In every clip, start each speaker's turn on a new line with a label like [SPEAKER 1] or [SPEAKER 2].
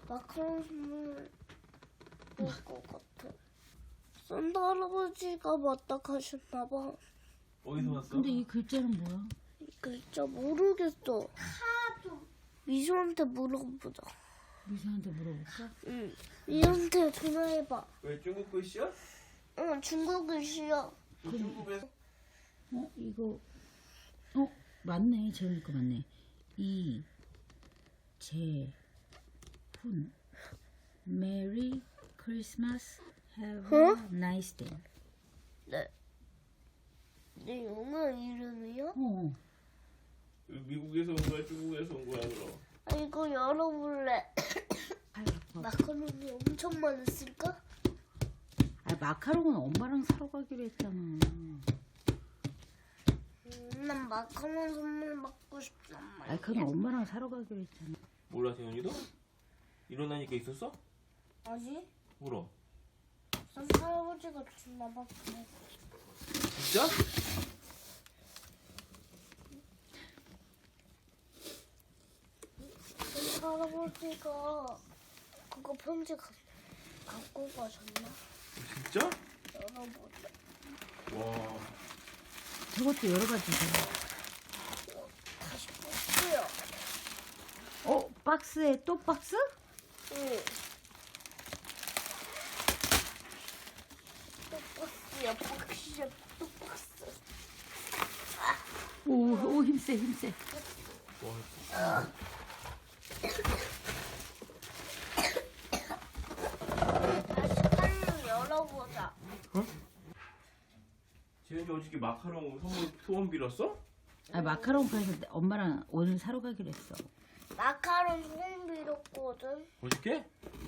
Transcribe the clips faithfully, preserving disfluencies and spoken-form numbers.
[SPEAKER 1] 마카롱 선물 올 것 같아. 산타 할아버지가 맞다 가셨나봐.
[SPEAKER 2] 어디서 왔어?
[SPEAKER 3] 근데 이 글자는 뭐야?
[SPEAKER 1] 글자 모르겠어. 하도 미소한테 물어보자.
[SPEAKER 3] 미사한테 물어볼까?
[SPEAKER 1] 응. 미소한테 전화해봐.
[SPEAKER 2] 왜 중국 글씨야?
[SPEAKER 1] 응, 중국 글씨야.
[SPEAKER 2] 중국에서
[SPEAKER 3] 어 이거 어 맞네. 재훈이 거 맞네. 이 제 훈 메리 크리스마스 have
[SPEAKER 1] 어?
[SPEAKER 3] a nice day.
[SPEAKER 1] 네. 내 영어 이름이요?
[SPEAKER 3] 어
[SPEAKER 2] 미국에서 온 거야? 중국에서 온 거야 그럼?
[SPEAKER 1] 아, 이거 열어볼래.
[SPEAKER 3] 아유, 아파.
[SPEAKER 1] 마카롱이 엄청 많았을까?
[SPEAKER 3] 아 마카롱은 엄마랑 사러 가기로 했잖아.
[SPEAKER 1] 음, 난 마카롱 선물 받고 싶단 말이야.
[SPEAKER 3] 아 그건 엄마랑 사러 가기로 했잖아.
[SPEAKER 2] 몰라 태연이도? 일어나니까 있었어?
[SPEAKER 1] 아니?
[SPEAKER 2] 물어.
[SPEAKER 1] 산타 할아버지가 주나봐. 그래.
[SPEAKER 2] 진짜?
[SPEAKER 1] 산타 할아버지가 그거 편지 가, 갖고 가셨나?
[SPEAKER 2] 진짜?
[SPEAKER 1] 열어보자.
[SPEAKER 2] 와.
[SPEAKER 3] 저것도 여러 가지죠.
[SPEAKER 1] 다시 볼게요.
[SPEAKER 3] 어 박스에 또 박스?
[SPEAKER 1] 응. 똑박스야, 박스야, 똑박스.
[SPEAKER 3] 오, 오 힘세 힘세.
[SPEAKER 2] 와.
[SPEAKER 1] 다시 빨리 열어보자.
[SPEAKER 2] 재현이 어저께 마카롱 선물 소원 빌었어?
[SPEAKER 3] 아 마카롱 파에서 엄마랑 오늘 사러 가기로 했어.
[SPEAKER 1] 마카롱 소금 빌었거든.
[SPEAKER 2] 어저께?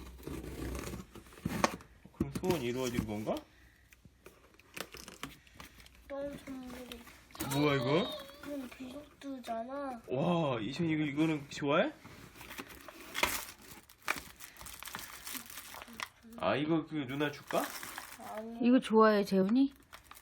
[SPEAKER 2] 그럼 소원 이루어진 건가?
[SPEAKER 1] 어떤 선물이?
[SPEAKER 2] 뭐야 이거?
[SPEAKER 1] 그럼 비속드잖아.
[SPEAKER 2] 와 이션 이거 이거는 좋아해? 아 이거 그 누나 줄까?
[SPEAKER 1] 아니.
[SPEAKER 3] 이거 좋아해 재훈이?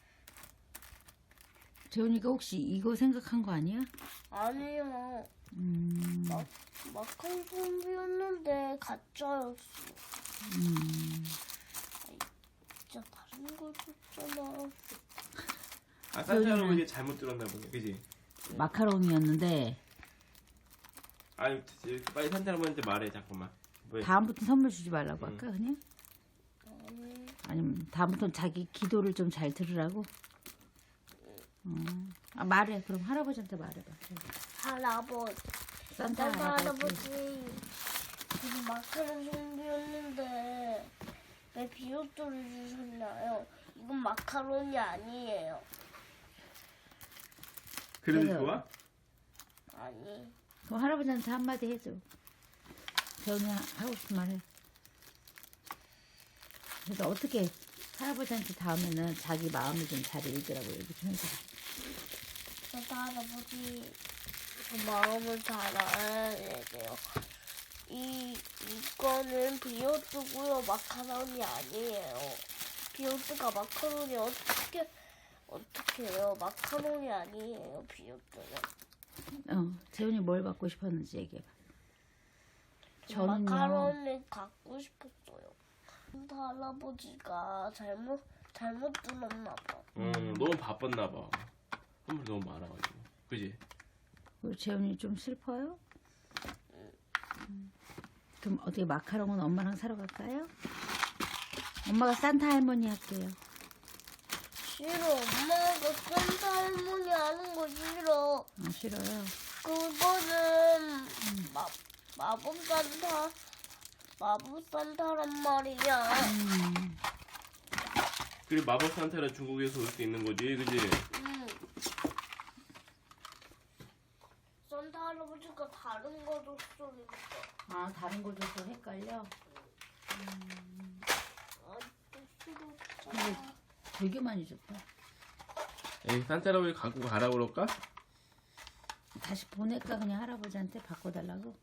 [SPEAKER 3] 재훈이가 혹시 이거 생각한 거 아니야?
[SPEAKER 1] 아니요.
[SPEAKER 3] 음,
[SPEAKER 1] 마, 마카롱 소금 빌었는데 가짜였어.
[SPEAKER 3] 음.
[SPEAKER 1] 진짜 다른 걸 줬잖아.
[SPEAKER 2] 아 산타 할아버지 잘못 들었나 보네 그지?
[SPEAKER 3] 마카롱이었는데
[SPEAKER 2] 아니 빨리 산타 할아버지한테 말해 잠깐만 왜?
[SPEAKER 3] 다음부터 선물 주지 말라고
[SPEAKER 2] 음.
[SPEAKER 3] 할까 그냥?
[SPEAKER 1] 아니.
[SPEAKER 3] 아니면 다음부터는 자기 기도를 좀 잘 들으라고? 어. 아 말해. 그럼 할아버지한테 말해봐.
[SPEAKER 1] 할아버지.
[SPEAKER 3] 산타
[SPEAKER 1] 산타
[SPEAKER 3] 할아버지.
[SPEAKER 1] 할아버지. 지금 마카롱 소금 빌었는데 왜 비옷돌을 주셨나요? 이건 마카롱이 아니에요.
[SPEAKER 2] 그래도
[SPEAKER 3] 그래요.
[SPEAKER 2] 좋아?
[SPEAKER 1] 아니.
[SPEAKER 3] 그럼 할아버지한테 한마디 해줘. 재훈이 하고 싶은 말 해. 그래서 어떻게 할아버지한테 다음에는 자기 마음을 좀 잘 읽으라고 얘기 좀 해줘.
[SPEAKER 1] 산타 할아버지 그 마음을 잘 알아야 돼요. 이 이거는 비오트고요. 마카롱이 아니에요. 비오트가 마카롱이 어떻게 어떻게 해요? 마카롱이 아니에요. 비오트는.
[SPEAKER 3] 어, 재훈이 뭘 받고 싶었는지 얘기해봐. 저는요.
[SPEAKER 1] 마카롱을 갖고 싶었어요. 산타 할아버지가 잘못 잘못 들었나 봐.
[SPEAKER 2] 응 너무 바빴나 봐 선물 너무 많아가지고 그지?
[SPEAKER 3] 우리 재훈이 좀 슬퍼요? 음. 그럼 어떻게 마카롱은 엄마랑 사러 갈까요? 엄마가 산타 할머니 할게요.
[SPEAKER 1] 싫어. 엄마가 산타 할머니 하는 거 싫어.
[SPEAKER 3] 아 싫어요.
[SPEAKER 1] 그거는 마, 마법 산타 마법 산타란 말이야.
[SPEAKER 3] 음,
[SPEAKER 2] 그리고 마법 산타는 중국에서 올 수 있는 거지 그지?
[SPEAKER 1] 응. 산타 할아버지가 다른 거 줬으니까.
[SPEAKER 3] 아 다른 거 줘서 헷갈려?
[SPEAKER 1] 아, 또 싫었잖아.
[SPEAKER 3] 되게 많이 줬다.
[SPEAKER 2] 에이 산타 할아버지 갖고 가라 그럴까?
[SPEAKER 3] 다시 보낼까 그냥 할아버지한테 바꿔달라고?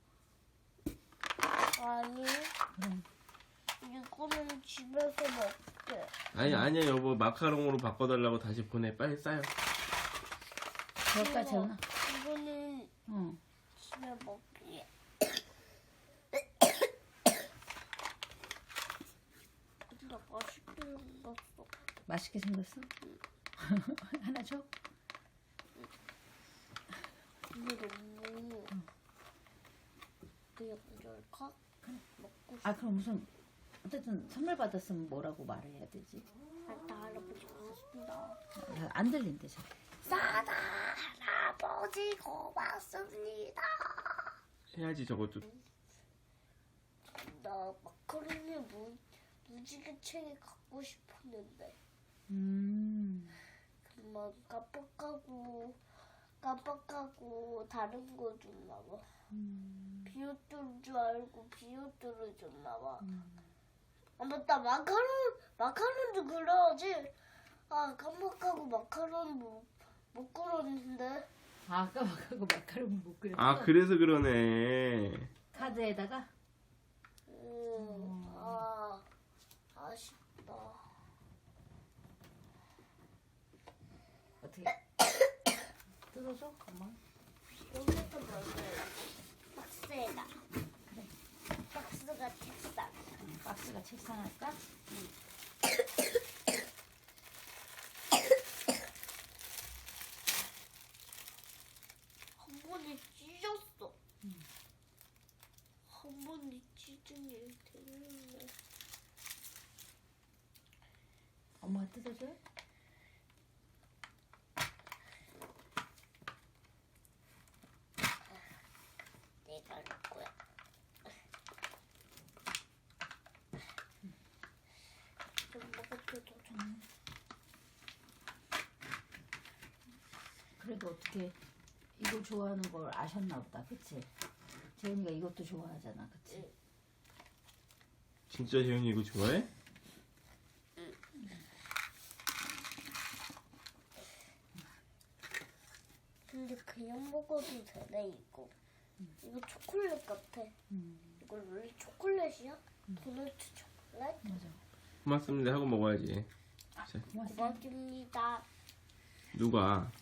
[SPEAKER 1] 아니,
[SPEAKER 3] 그럼
[SPEAKER 1] 이거는 집에서 먹게.
[SPEAKER 2] 아니 아니야 여보 마카롱으로 바꿔달라고 다시 보내 빨리 싸요
[SPEAKER 3] 그럴까 재훈아?
[SPEAKER 1] 이거는
[SPEAKER 3] 어.
[SPEAKER 1] 집에 먹기.
[SPEAKER 3] 맛있게 생겼어? 하나 줘?
[SPEAKER 1] 근데 너무 그냥 가져올까? 먹고 싶어.
[SPEAKER 3] 아 그럼 무슨 어쨌든 선물 받았으면 뭐라고 말해야 되지?
[SPEAKER 1] 산타 할아버지 고맙습니다.
[SPEAKER 3] 야, 안 들린대 잘.
[SPEAKER 1] 산타 할아버지 고맙습니다.
[SPEAKER 2] 해야지 저것도.
[SPEAKER 1] 나 마카로니 무, 무지개챙이 갖고 싶었는데
[SPEAKER 3] 음.
[SPEAKER 1] 그만 깜빡하고 깜빡하고 다른 거 줬나봐.
[SPEAKER 3] 음.
[SPEAKER 1] 비옷들인 줄 알고 비옷들을 줬나봐. 아 맞다, 마카롱 마카롱도 그려야지. 아 깜빡하고 마카롱 못, 못 그렸는데.
[SPEAKER 3] 아, 아까 막하고 마카롱 못 그렸어?
[SPEAKER 2] 아 그래서 그러네.
[SPEAKER 3] 카드에다가?
[SPEAKER 1] 음, 아 아쉽다.
[SPEAKER 3] 어떻게 뜯어줘? 엄마?
[SPEAKER 1] 여기서 먹어요. 박스에다. 박스가 책상.
[SPEAKER 3] 박스가 책상 할까?
[SPEAKER 1] 한 번에 찢었어. 한 번에 찢은 일 되는데.
[SPEAKER 3] 엄마가 뜯어줘요?
[SPEAKER 1] 내가 할 거야. 좀 먹어도 더 좋아.
[SPEAKER 3] 그래도 어떻게 이거 좋아하는 걸 아셨나 보다, 그치? 재현이가 이것도 좋아하잖아, 그치?
[SPEAKER 2] 진짜 재현이 이거 좋아해?
[SPEAKER 1] 근데 그냥 먹어도 되네 이거. 이거 초콜릿 같아.
[SPEAKER 3] 음,
[SPEAKER 1] 이거 원래 초콜릿이야? 도넛 초콜릿?
[SPEAKER 3] 맞아.
[SPEAKER 2] 고맙습니다 하고 먹어야지.
[SPEAKER 3] 고맙습니다.
[SPEAKER 1] 고맙습니다.
[SPEAKER 2] 누가?